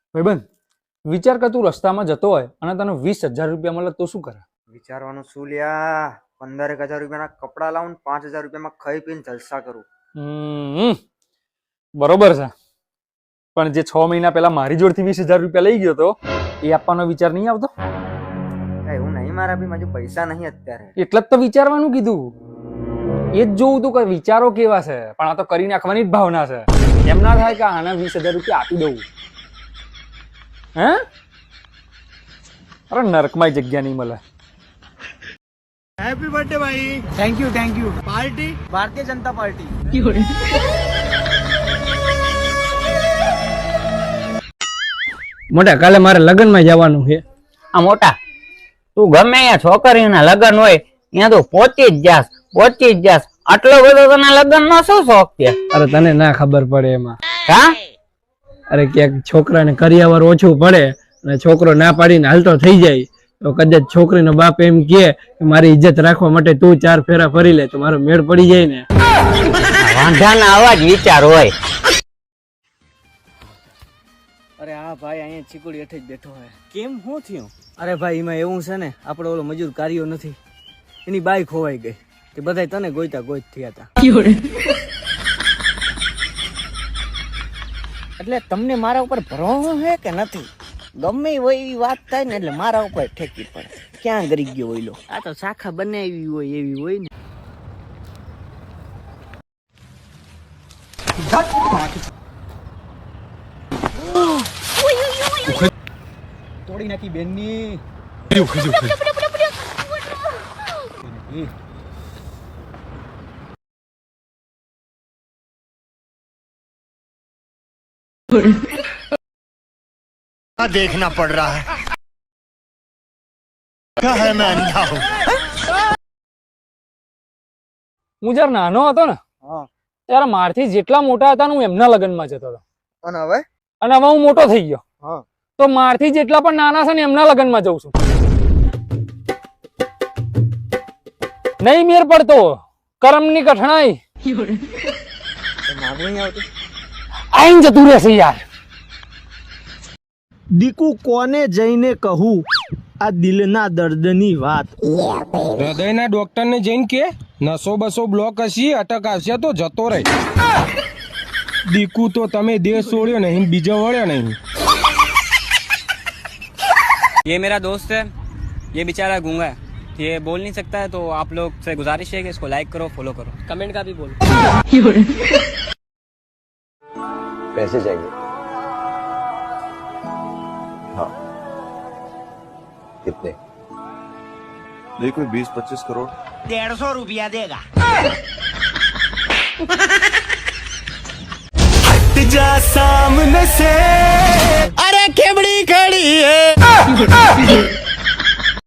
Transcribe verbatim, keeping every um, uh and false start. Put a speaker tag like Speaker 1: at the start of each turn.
Speaker 1: ભાઈબંધ વિચાર કર તું રસ્તામાં જતો હોય અને તને વીસ હજાર રૂપિયા મળે તો શું કરે?
Speaker 2: વિચારવાનું શું લ્યા, પંદર એક હજાર રૂપિયાના કપડા લાવું, પાંચ હજાર રૂપિયામાં ખાઈ પીને જલસા કરું.
Speaker 1: હમ બરોબર છે, પણ જે છ મહિના પહેલા મારી જોડથી વીસ હજાર રૂપિયા લઈ ગયો તો એ આપવાનો વિચાર નહીં આવતો?
Speaker 2: એવું નહીં મારા બી મારી પૈસા નહીં અત્યારે.
Speaker 1: એટલે જ તો વિચારવાનું કીધું. એ જ જોવું તું કે વિચારો કેવા છે, પણ આ તો કરી નાખવાની જ ભાવના છે. એમ ના થાય કે આના વીસ હજાર રૂપિયા આપી દઉં. હે અરે નરકમાં જગ્યા નહીં મળે.
Speaker 3: हैप्पी बर्थडे भाई. Thank you thank you. Party Bharatiya Janata party.
Speaker 4: મોટા કાલે મારે લગ્નમાં જવાનું છે.
Speaker 5: આ મોટા તું ગમે અહીંયા છોકરીના લગ્ન હોય ત્યાં તું પહોંચી જ જાસ પહોંચી જ જાસ આટલો બધો તને લગ્ન નો શું શોખ છે?
Speaker 4: અરે તને ના ખબર પડે એમાં.
Speaker 5: હા
Speaker 4: અરે ક્યાંક છોકરાને કરિયાવર ઓછું પડે અને છોકરો ના પાડીને હાલતો થઈ જાય તો કદાચ છોકરીનો બાપ એમ કહે કે મારી ઇજ્જત રાખવા માટે તું ચાર ફેરા ફરી લે તો મારો મેળ પડી જાય ને.
Speaker 5: વાંધાના આવા જ વિચાર હોય.
Speaker 3: અરે હા ભાઈ, અહીંયા ચીકુડી હેઠે જ બેઠો હોય. કેમ શું થયું? અરે ભાઈ એમાં એવું છે ને, આપણે ઓલો મજૂર કાર્યો નથી, એની બાઈ ખોવાઈ ગઈ તે બધાય તને ગોઈતા ગોઈત થયા હતા. એટલે તમને મારા ઉપર ભરોસો છે કે નથી? ગમે હોય એવી વાત થાય ને એટલે મારા ઉપર ઠેકી પડે. ક્યાં ગરી ગયો હોય લો? આ તો શાખા બનાવી હોય એવી હોય ને. તોડી નાખી બેનની.
Speaker 6: देखना पड़ रहा है क्या है मैं अंधा हूं.
Speaker 1: હું જયારે નાનો હતો ને ત્યારે મારથી જેટલા મોટા હતા ને હું એમના લગ્નમાં જતો હતો.
Speaker 2: અને હવે
Speaker 1: અને હવે હું મોટો થઈ ગયો
Speaker 2: હા
Speaker 1: તો મારથી જેટલા પણ નાના છે ને એમના લગ્નમાં જઉં છું. નહીં મેર પડતો કરમની કઠણાઈ આઈને જતું રહેશે યાર.
Speaker 3: દીકુ કોને જઈને કહું આ દિલના દર્દની વાત?
Speaker 7: હૃદયના ડોક્ટરને જઈને કે નસો બસો બ્લોક હશે, અટક આવશે તો જતો રહે. દીકુ તો તમે દેશ છોડ્યો નહીં, બીજો વળ્યો નહીં.
Speaker 8: ये मेरा दोस्त है, ये बेचारा गूंगा है, ये बोल नहीं सकता है, तो आप लोग से गुजारिश है कि इसको लाइक करो, फॉलो करो, कमेंट का भी बोलो.
Speaker 9: पैसे चाहिए? हाँ. कितने? नहीं कोई बीस पच्चीस करोड़.
Speaker 6: डेढ़ सौ रुपया देगा. हट जा सामने से, अरे खेबड़ी खड़ी है.